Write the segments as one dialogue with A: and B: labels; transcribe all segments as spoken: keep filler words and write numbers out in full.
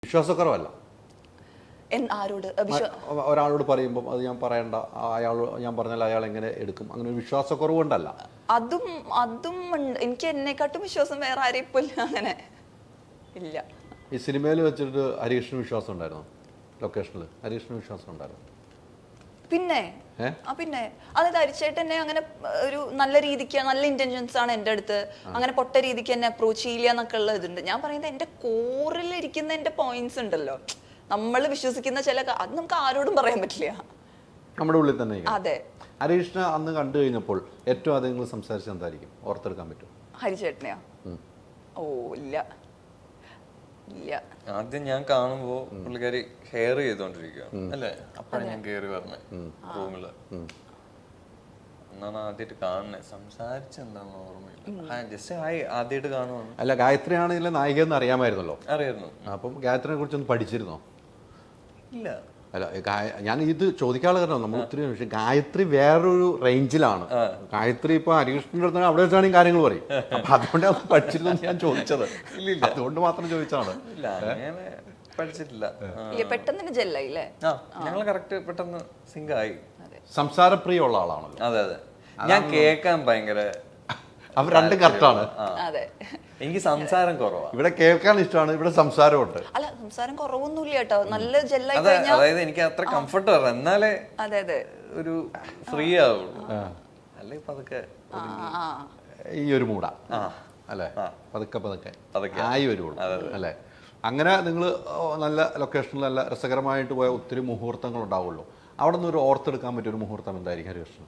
A: വിശ്വാസക്കുറവല്ല.
B: ആരോട്
A: ഒരാളോട് പറയുമ്പോൾ അത് ഞാൻ പറയണ്ട, അയാൾ ഞാൻ പറഞ്ഞാൽ അയാൾ എങ്ങനെ എടുക്കും, അങ്ങനെ ഒരു വിശ്വാസക്കുറവ് കൊണ്ടല്ല.
B: അതും അതും എനിക്ക് എന്നെക്കാട്ടും വിശ്വാസം വേറെ ആരെയും ഇപ്പൊ അങ്ങനെ ഇല്ല.
A: ഈ സിനിമയിൽ വെച്ചിട്ട് ഹരീഷിന് വിശ്വാസം ഉണ്ടായിരുന്നു? ലൊക്കേഷനിൽ ഹരീഷിന് വിശ്വാസം ഉണ്ടായിരുന്നു?
B: പിന്നെ ആ പിന്നെ അതായത് ഹരിച്ചേട്ടൻ എന്നെ അങ്ങനെ ഒരു നല്ല രീതിക്ക് നല്ല ഇന്റൻഷൻസ് ആണ് എൻ്റെ അടുത്ത്, അങ്ങനെ പൊട്ട രീതിക്ക് എന്നെ അപ്രോച്ച് ചെയ്യില്ല എന്നൊക്കെ ഉള്ള ഇതുണ്ട്. ഞാൻ പറയുന്നത് എൻ്റെ കോറിൽ ഇരിക്കുന്ന എൻ്റെ പോയിന്റ്സ് ഉണ്ടല്ലോ, നമ്മൾ വിശ്വസിക്കുന്ന ചില അത് നമുക്ക് ആരോടും പറയാൻ പറ്റില്ല,
A: നമ്മുടെ ഉള്ളിൽ തന്നെ.
B: അതെ.
A: ഹരീഷിനെ അന്ന് കണ്ടു കഴിഞ്ഞപ്പോൾ ഏറ്റവും ആദ്യം നിങ്ങൾ സംസാരിച്ചത് എന്തായിരിക്കും? ഓർത്തെടുക്കാൻ പറ്റും?
B: ഹരിച്ചേട്ടനെയാ? ഓ ഇല്ല ഇല്ല.
C: ആദ്യം ഞാൻ കാണുമ്പോ പുള്ളിക്കാരി ഹെയർ ചെയ്തോണ്ടിരിക്കുകയാണ് അല്ലേ, അപ്പഴാണ് ഞാൻ കേറി പറഞ്ഞത് റൂമില്. എന്നാണ് ആദ്യമായിട്ട് കാണുന്നത്. സംസാരിച്ചെന്താന്ന് ഓർമ്മയില്ല, ജസ്റ്റ് ഹായ് ആദ്യമായിട്ട് കാണുവാണ്.
A: അല്ല, ഗായത്രിയാണ് ഇതിലെ നായിക എന്ന് അറിയാമായിരുന്നല്ലോ.
C: അറിയായിരുന്നു.
A: അപ്പം ഗായത്രിനെ കുറിച്ചൊന്ന് പഠിച്ചിരുന്നോ?
C: ഇല്ല.
A: അല്ല, ഞാൻ ഇത് ചോദിക്കാനുള്ള കാരണം നമ്മൾ ഒത്തിരി, പക്ഷെ ഗായത്രി വേറൊരു റേഞ്ചിലാണ്. ഗായത്രി ഇപ്പൊ ഹരികൃഷ്ണന്റെ അടുത്ത് അവിടെ വെച്ചാണെങ്കിൽ കാര്യങ്ങൾ പറയും. അപ്പൊ അതുകൊണ്ട് അത് പഠിച്ചിരുന്നു ഞാൻ ചോദിച്ചത്.
C: ഇല്ല,
A: അതുകൊണ്ട് മാത്രം ചോദിച്ചാണ്.
C: ഇല്ല, അങ്ങനെ പഠിച്ചിട്ടില്ല.
B: പെട്ടെന്ന് ജെല്ലായില്ലേ?
C: ആ, ഞങ്ങൾ കറക്റ്റ് പെട്ടെന്ന് സിങ്ക് ആയി.
A: സംസാരപ്രിയ ഉള്ള ആളാണല്ലോ.
C: അതെ അതെ, ഞാൻ കേൾക്കാൻ ഭയങ്കര,
A: അവർ രണ്ടും കറക്റ്റാണ്.
B: അതെ,
C: എനിക്ക് സംസാരം കുറവാണ്.
A: ഇവിടെ കേൾക്കാൻ ഇഷ്ടമാണ്, ഇവിടെ സംസാരമുണ്ട്.
B: അല്ല, സംസാരം കുറവൊന്നുമില്ല കേട്ടോ, നല്ല ജെല്ലായി.
C: അതായത് എനിക്ക് അത്ര കംഫർട്ട് വരണം, എന്നാലേ
B: അതെ അതെ ഒരു
C: ഫ്രീ ആവുള്ളൂ. അല്ലെ പതുക്കെ
A: ഈ ഒരു മൂട അല്ലെ, പതുക്കെ പതുക്കെ ആയി വരുള്ളൂ അല്ലെ. അങ്ങനെ നിങ്ങൾ നല്ല ലൊക്കേഷനിൽ നല്ല രസകരമായിട്ട് പോയ ഒത്തിരി മുഹൂർത്തങ്ങൾ ഉണ്ടാവുള്ളൂ. അവിടെ നിന്ന് ഒരു ഓർത്തെടുക്കാൻ പറ്റിയ ഒരു മുഹൂർത്തം എന്തായിരിക്കും ഹരികൃഷ്ണൻ?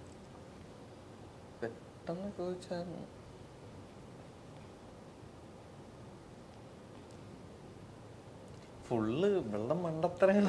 C: പെട്ടെന്ന് ചോദിച്ചാൽ ഫുള്ള് വെള്ളം മണ്ടത്തരങ്ങൾ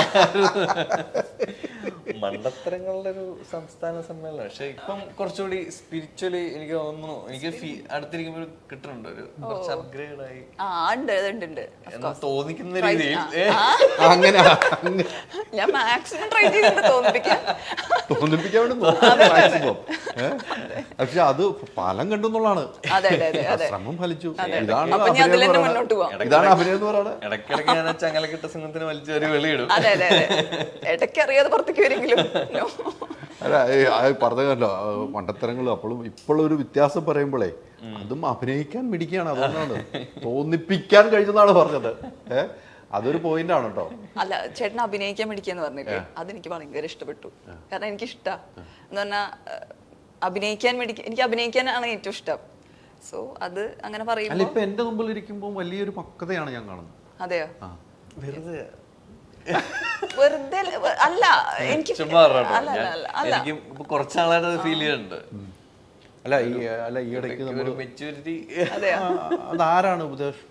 C: മണ്ടത്തരങ്ങളുടെ ഒരു സംസ്ഥാന സമ്മേളനം. പക്ഷെ ഇപ്പം കുറച്ചുകൂടി സ്പിരിച്വലി എനിക്ക് തോന്നുന്നു, എനിക്ക് അടുത്തിരിക്കുമ്പോൾ കിട്ടുന്നുണ്ട് ഒരു കുറച്ച് അപ്ഗ്രേഡ് ആയി എന്ന് തോന്നിക്കുന്ന രീതിയിൽ.
A: അങ്ങനെ
B: ഞാൻ മാക്സിമം ട്രൈ ചെയ്തിട്ട് തോന്നിപ്പിക്കാൻ
A: തോന്നിപ്പിക്കാൻ മാക്സിമം. പക്ഷെ അത് ഫലം കണ്ടെന്നുള്ളതാണ്, ശ്രമം ഫലിച്ചു. ഇതാണ് ഇതാണ് അഭിനയം എന്ന് പറയുന്നത്.
C: ഇടയ്ക്കിടയ്ക്ക് ഞാൻ ചങ്ങലക്കിട്ട സിംഹത്തിന് വലിച്ചു ഒരു വെളിയിടും.
B: ഇടയ്ക്കറിയാതെ പുറത്തേക്ക് വരെങ്കിലും.
A: അല്ല, പറഞ്ഞല്ലോ മണ്ടത്തരങ്ങളും. അപ്പോഴും ഇപ്പോഴൊരു വ്യത്യാസം പറയുമ്പോഴേ അതും അഭിനയിക്കാൻ മിടിക്കുകയാണ്, അതുകൊണ്ടാണ് തോന്നിപ്പിക്കാൻ കഴിഞ്ഞതാണ് പറഞ്ഞത്. ഏഹ് അതൊരു പോയിന്റ് ആണ് കേട്ടോ.
B: അല്ല, ചേട്ടൻ അഭിനയിക്കാൻ മിടിക്കാന്ന് പറഞ്ഞില്ലേ, അതെനിക്ക് ഭയങ്കര ഇഷ്ടപ്പെട്ടു. കാരണം എനിക്ക് ഇഷ്ടാ എന്ന് പറഞ്ഞാ അഭിനയിക്കാൻ മിടിക്ക, എനിക്ക് അഭിനയിക്കാനാണ് ഏറ്റവും ഇഷ്ടം. സോ അത് അങ്ങനെ പറയുമ്പോൾ
A: ഇപ്പൊ എന്റെ മുമ്പിൽ ഇരിക്കുമ്പോൾ വലിയൊരു പക്വതയാണ് ഞാൻ കാണുന്നത്.
B: അതെയോ?
C: വെറുതെ
B: വെറുതെ അല്ല, എനിക്ക്
C: എനിക്ക് കുറച്ചാളായിട്ട് ഫീൽ ചെയ്യുന്നുണ്ട്.
A: അല്ല ഈ അല്ല ഈ ഇടയ്ക്ക്
C: ഒരു മെച്യൂരിറ്റി.
A: അതാരാണ് ഉപദേശം?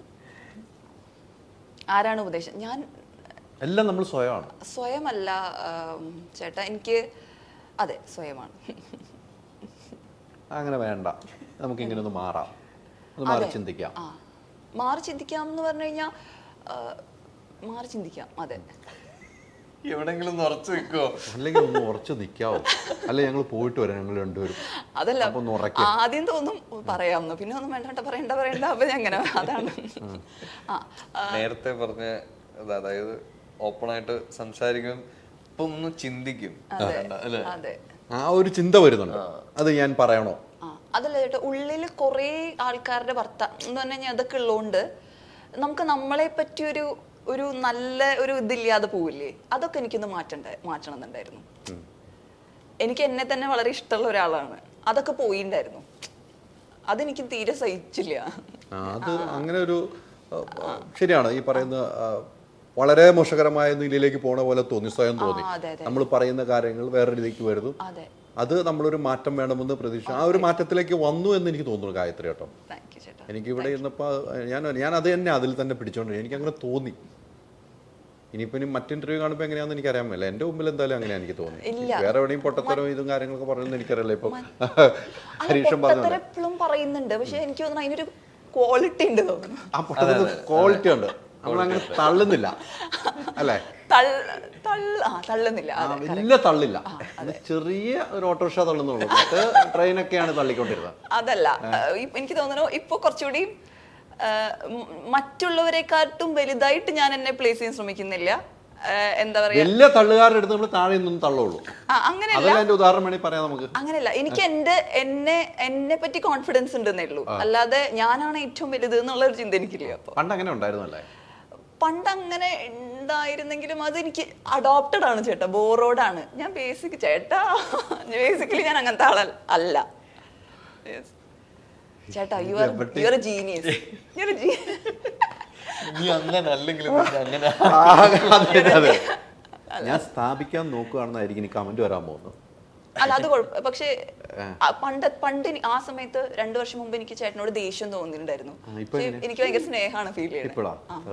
B: ആരാണ് ഉപദേശം? ഞാൻ
A: എല്ലാം നമ്മൾ സ്വയമാണ്.
B: സ്വയമല്ല ചേട്ടാ, എനിക്ക് അതെ സ്വയമാണ്.
A: അങ്ങനെ വേണ്ട, നമുക്ക് ഇങ്ങനെ ഒന്ന് മാറാം, ഒന്ന് മാറി ചിന്തിക്കാം.
B: ആ, മാറി ചിന്തിക്കാം എന്ന് പറഞ്ഞു കഴിഞ്ഞാൽ മാറി ചിന്തിക്കാം. അതെ,
C: എവിടെങ്കിലും ഉറച്ചു നിൽക്കോ?
A: അല്ലെങ്കിൽ ഒന്ന് ഉറച്ചു നിൽക്കാവോ? അല്ലെ ഞങ്ങൾ പോയിട്ട് വരാം, ഞങ്ങൾ രണ്ടുപേരും.
B: അതല്ല, ആദ്യം തോന്നും പറയാമെന്ന്, പിന്നെ ഒന്നും വേണ്ട പറയണ്ട പറയണ്ട അപ്പൊ അങ്ങനെ. അതാണ്
C: നേരത്തെ പറഞ്ഞ, അതായത് ഓപ്പൺ ആയിട്ട് സംസാരിക്കും, ഇപ്പൊ ഒന്ന് ചിന്തിക്കും.
B: അതെ,
A: ആ ഒരു ചിന്ത വരുന്നുണ്ട്, അത് ഞാൻ പറയണോ?
B: അതല്ല ചേട്ടാ, ഉള്ളിൽ കുറെ ആൾക്കാരുടെ ഭർത്ത എന്ന് പറഞ്ഞു കഴിഞ്ഞാൽ അതൊക്കെ ഉള്ളതുകൊണ്ട് നമുക്ക് നമ്മളെ പറ്റി ഒരു ഒരു നല്ല ഒരു ഇതില്ലാതെ പോവില്ലേ, അതൊക്കെ എനിക്കൊന്ന് മാറ്റണ്ട മാറ്റണം എന്നുണ്ടായിരുന്നു. എനിക്ക് എന്നെ തന്നെ വളരെ ഇഷ്ടമുള്ള ഒരാളാണ്, അതൊക്കെ പോയിണ്ടായിരുന്നു. അതെനിക്ക് തീരെ സഹിച്ചില്ല.
A: അത് അങ്ങനെ ഒരു ശരിയാണ് ഈ പറയുന്ന വളരെ മോശകരമായ നിലയിലേക്ക് പോണ പോലെ തോന്നി, സ്വയം തോന്നി. നമ്മൾ പറയുന്ന കാര്യങ്ങൾ വേറെ രീതിക്ക് വരുന്നു. അത് നമ്മളൊരു മാറ്റം വേണമെന്ന് പ്രതീക്ഷ, ആ ഒരു മാറ്റത്തിലേക്ക് വന്നു എന്ന് എനിക്ക് തോന്നുന്നു ഗായത്രി കേട്ടോ. എനിക്കിവിടെ ഇരുന്നപ്പോ ഞാൻ ഞാൻ അത് തന്നെ അതിൽ തന്നെ പിടിച്ചോണ്ട് എനിക്ക് അങ്ങനെ തോന്നി. ഇനിയിപ്പോ ഇനി മറ്റു ഇന്റർവ്യൂ കാണുമ്പോൾ എങ്ങനെയാണെന്ന് എനിക്ക് അറിയാൻ പറ്റില്ല. എന്റെ മുമ്പിൽ എന്തായാലും അങ്ങനെ എനിക്ക് തോന്നി. വേറെ എവിടെയും പൊട്ടത്തരവും ഇതും കാര്യങ്ങളൊക്കെ പറയുന്നത് എനിക്കറിയില്ല. ഇപ്പൊ ഹരീഷൻ
B: പറഞ്ഞെപ്പോഴും പറയുന്നുണ്ട്, പക്ഷെ എനിക്ക് തോന്നുന്നു അതിനൊരു ക്വാളിറ്റി ഉണ്ട് തോന്നുന്നു.
A: ആ പൊട്ടത്തിന് ക്വാളിറ്റി ഉണ്ട്, നമ്മളങ്ങനെ തള്ളുന്നില്ല അല്ലേ?
B: തള്ളുന്നില്ല,
A: വലിയ തള്ളില്ല, ചെറിയ ഒരു ഓട്ടോറിക്ഷ തള്ളുന്നുള്ളൂ. ട്രെയിനൊക്കെയാണ് തള്ളിക്കൊണ്ടിരുന്നത്.
B: അതല്ല, എനിക്ക് തോന്നുന്നു ഇപ്പൊ കുറച്ചുകൂടി മറ്റുള്ളവരെക്കാട്ടും വലുതായിട്ട് ഞാൻ എന്നെ പ്ലേസ് ചെയ്യാൻ ശ്രമിക്കുന്നില്ല. എന്താ പറയാ,
A: വലിയ തള്ളുകാരുടെ അടുത്ത് നമ്മൾ താഴെ നിന്നും തള്ളുള്ളൂ.
B: അങ്ങനെയല്ല,
A: അതിന്റെ ഉദാഹരണം വേണമെങ്കിൽ പറയാം നമുക്ക്.
B: അങ്ങനെയല്ല, എനിക്ക് എന്റെ എന്നെ എന്നെ പറ്റി കോൺഫിഡൻസ് ഉണ്ടെന്നേ ഉള്ളൂ, അല്ലാതെ ഞാനാണ് ഏറ്റവും വലുത് എന്നുള്ള ഒരു ചിന്ത എനിക്കില്ല. അപ്പൊ
A: പണ്ട് അങ്ങനെ ഉണ്ടായിരുന്നല്ലേ?
B: പണ്ട് അങ്ങനെ ഉണ്ടായിരുന്നെങ്കിലും അത് എനിക്ക് അഡോപ്റ്റഡ് ആണ് ചേട്ടാ, ബോറോഡാണ് ഞാൻ. ബേസിക് ചേട്ടാ ബേസിക്കലി ഞാൻ അങ്ങനത്തെ ആള അല്ല ചേട്ടാ. You are you are a genius. You are a
A: ഞാൻ സ്ഥാപിക്കാൻ നോക്കുകയാണെന്നായിരിക്കും എനിക്ക് കമന്റ് വരാൻ പോകുന്നത്.
B: അല്ല അത് കുഴപ്പം. പക്ഷേ പണ്ട് പണ്ട് ആ സമയത്ത് രണ്ടു വർഷം മുമ്പ് എനിക്ക് ചേട്ടനോട് ദേഷ്യം തോന്നിയിട്ടുണ്ടായിരുന്നു. എനിക്ക് ഭയങ്കര സ്നേഹമാണ് ഫീൽ ചെയ്യുന്നത്.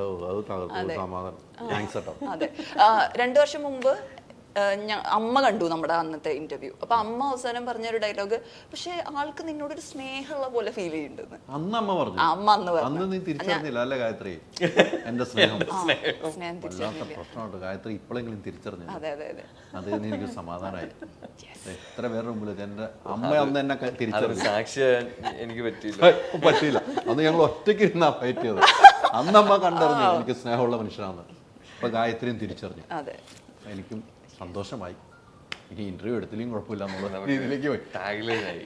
B: അതെ, രണ്ടു വർഷം മുമ്പ് അമ്മ കണ്ടു നമ്മുടെ അന്നത്തെ ഇന്റർവ്യൂ. അപ്പൊ അമ്മ അവസാനം പറഞ്ഞൊരു ഡയലോഗ്, പക്ഷെ ആൾക്ക് നിന്നോടൊരു സ്നേഹമുള്ള പോലെ ഫീൽ ചെയ്യുന്നുണ്ടെന്ന്
A: അന്ന് അമ്മ പറഞ്ഞു.
B: അമ്മ അന്ന് പറഞ്ഞു.
A: നീ തിരിച്ചറിഞ്ഞില്ല അല്ലേ ഗായത്രി? എന്റെ സ്നേഹം
B: സ്നേഹം തിരിച്ചറിഞ്ഞില്ല.
A: പ്രശ്നമുണ്ട് ഗായത്രി, ഇപ്പോഴെങ്കിലും തിരിച്ചറിഞ്ഞു.
B: അതെ അതെ അതെ,
A: അത് എനിക്ക് സമാധാനമായി. എത്ര പേരുടെ മുമ്പിൽ എന്റെ അമ്മ അന്ന് എന്നെ തിരിച്ചറിഞ്ഞു.
C: സാക്ഷി എനിക്ക് പറ്റിയില്ല
A: പറ്റിയില്ല അന്ന് ഞങ്ങൾ ഒറ്റയ്ക്ക് ഇരുന്നാ ഫൈറ്റ് ചെയ്തത്. അന്നമ്മ കണ്ടറിഞ്ഞു എനിക്ക് സ്നേഹമുള്ള മനുഷ്യനാണ്. ഇപ്പൊ ഗായത്രിയും തിരിച്ചറിഞ്ഞു. എനിക്കും സന്തോഷമായി. ഇനി ഇന്റർവ്യൂ എടുത്തില്ലെങ്കിൽ കുഴപ്പമില്ല എന്നുള്ള രീതിയിലേക്ക് പോയി.
C: ടാഗ്ലൈനായി.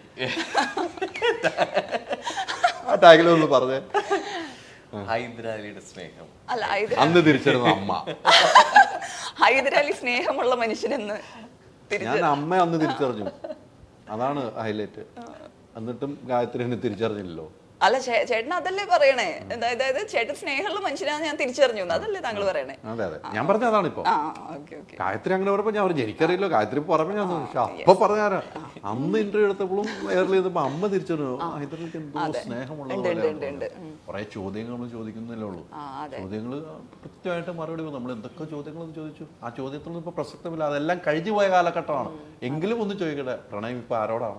A: ആ ടാഗ്ലൈൻ പറഞ്ഞേ.
C: ഹൈദരാലിയുടെ സ്നേഹം
B: അല്ല,
A: അന്ന് തിരിച്ചറിഞ്ഞ അമ്മ.
B: ഹൈദരാലി സ്നേഹമുള്ള മനുഷ്യനെന്ന്
A: ഞാൻ അമ്മ അന്ന് തിരിച്ചറിഞ്ഞു. അതാണ് ഹൈലൈറ്റ്. എന്നിട്ടും ഗായത്രി എന്നെ തിരിച്ചറിഞ്ഞില്ലല്ലോ.
B: അല്ല, ചേട്ടൻ അതല്ലേ പറയണേ, അതായത് ചേട്ടൻ സ്നേഹമുള്ള മനുഷ്യനാണ് ഞാൻ തിരിച്ചറിഞ്ഞു, അതല്ലേ താങ്കൾ പറയണേ?
A: അതെ അതെ, ഞാൻ പറഞ്ഞ അതാണ്. ഇപ്പൊ ഗായത്രി അങ്ങനെ പറഞ്ഞപ്പോ ഞാൻ പറഞ്ഞു എനിക്കറിയില്ലോ. ഗായത്രി പറഞ്ഞ ഞാൻ അപ്പൊ പറഞ്ഞാരാ അന്ന് ഇന്റർവ്യൂ എടുത്തപ്പോഴും എയർലി ചെയ്തപ്പോ അമ്മ തിരിച്ചറിഞ്ഞു ഹൈദരാലിക്ക് എന്തോ സ്നേഹമുള്ള കുറെ ചോദ്യങ്ങൾ നമ്മൾ ചോദിക്കുന്നില്ലേ ഉള്ളൂ. ചോദ്യങ്ങൾ കൃത്യമായിട്ട് മറുപടി. നമ്മൾ എന്തൊക്കെ ചോദ്യങ്ങളൊന്നും ചോദിച്ചു. ആ ചോദ്യത്തിലൊന്നും ഇപ്പൊ പ്രസക്തമില്ല. അതെല്ലാം കഴിഞ്ഞു പോയ കാലഘട്ടമാണ്. എങ്കിലും ഒന്ന് ചോദിക്കട്ടെ, പ്രണയം ഇപ്പൊ ആരോടാണ്?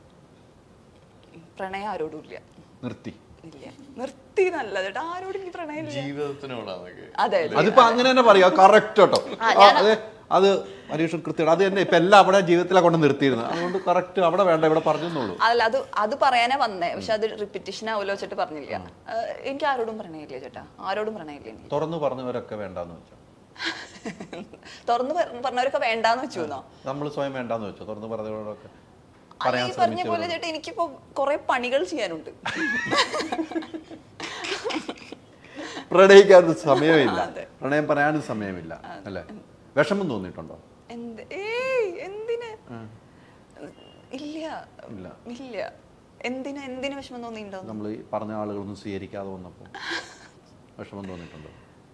B: പ്രണയം ആരോടും ഇല്ല.
A: നിർത്തി
B: നിർത്തി നല്ല ചേട്ടാ, ആരോടും പ്രണയം
C: ജീവിതത്തിനോടാണ്.
B: അതെ,
A: അതിപ്പോ അങ്ങനെ തന്നെ പറയാ. കറക്റ്റ് കേട്ടോ. അതെ, അത് പരീക്ഷ കൃത്യമാണ്. അത് തന്നെ ഇപ്പൊ എല്ലാം അവിടെ ജീവിതത്തിലെ കൊണ്ട് നിർത്തിയിരുന്നു. അതുകൊണ്ട് കറക്റ്റ് അവിടെ വേണ്ട ഇവിടെ പറഞ്ഞോളൂ.
B: അതല്ല, അത് അത് പറയാനേ വന്നേ. പക്ഷെ അത് റിപ്പീറ്റേഷൻ ആവുമല്ലോ വെച്ചിട്ട് പറഞ്ഞില്ല. എനിക്ക് ആരോടും പ്രണയമില്ല ചേട്ടാ, ആരോടും പ്രണയമില്ല.
A: തുറന്നു പറഞ്ഞവരൊക്കെ വേണ്ടാന്ന് വെച്ചോ?
B: തുറന്നു പറഞ്ഞവരൊക്കെ വേണ്ടാന്ന് വെച്ചു.
A: നമ്മൾ സ്വയം വേണ്ടാന്ന് വെച്ചോ തുറന്നു പറഞ്ഞവരോടൊക്കെ?
B: ഈ പറഞ്ഞ പോലെ ചേട്ടാ, എനിക്കിപ്പോ കുറെ പണികൾ ചെയ്യാനുണ്ട്.
A: പ്രണയിക്കാൻ സമയമില്ല, പ്രണയം പറയാനും സമയമില്ല അല്ലേ? വിഷമം തോന്നിയിട്ടുണ്ടോ?
B: എന്തിന്? ഇല്ല ഇല്ല. എന്തിന് എന്തിന് വിഷമം തോന്നിയിട്ടുണ്ടോ?
A: നമ്മൾ ഈ പറഞ്ഞ ആളുകളൊന്നും സ്വീകരിക്കാതെ വന്നപ്പോ വിഷമം തോന്നിയിട്ടുണ്ടോ?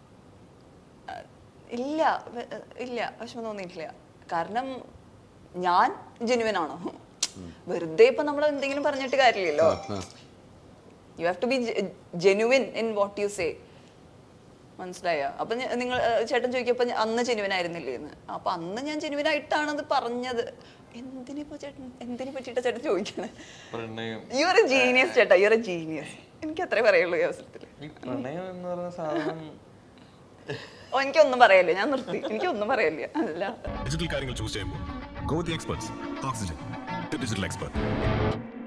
B: ഇല്ല ഇല്ല, വിഷമം തോന്നിയിട്ടില്ല. കാരണം ഞാൻ ജെന്യുവൻ ആണോ? വെറുതെ ഇപ്പൊ നമ്മൾ എന്തെങ്കിലും പറഞ്ഞിട്ട് കാര്യമില്ലല്ലോ. You have to be genuine in what you say. മനസ്സിലായ? അപ്പൊ നിങ്ങൾ ചേട്ടൻ ചോദിക്കപ്പോ അന്ന് ജെന്യുവൻ ആയിരുന്നില്ലേ എന്ന്. അപ്പൊ അന്ന് ഞാൻ ജെന്യുവൻ ആയിട്ടാണത് പറഞ്ഞത്. എന്തിനിപ്പോ ചേട്ടൻ എന്തിനെ പറ്റിയിട്ടാ ചേട്ടൻ ചോദിക്കണേ? യു ആർ എ ജീനിയസ് ചേട്ടാ, യു ആർ എ ജീനിയസ്. എനിക്ക് അത്രേ പറയുള്ളൂ ഈ അവസരത്തില്. ഓ, എനിക്കൊന്നും പറയല്ലേ, ഞാൻ നിർത്തി. എനിക്കൊന്നും പറയല്ലേ. അല്ല,
D: ഡിജിറ്റൽ കാര്യങ്ങൾ ചൂസ് ചെയ്യുമ്പോൾ go the experts. Oxygen, the digital expert.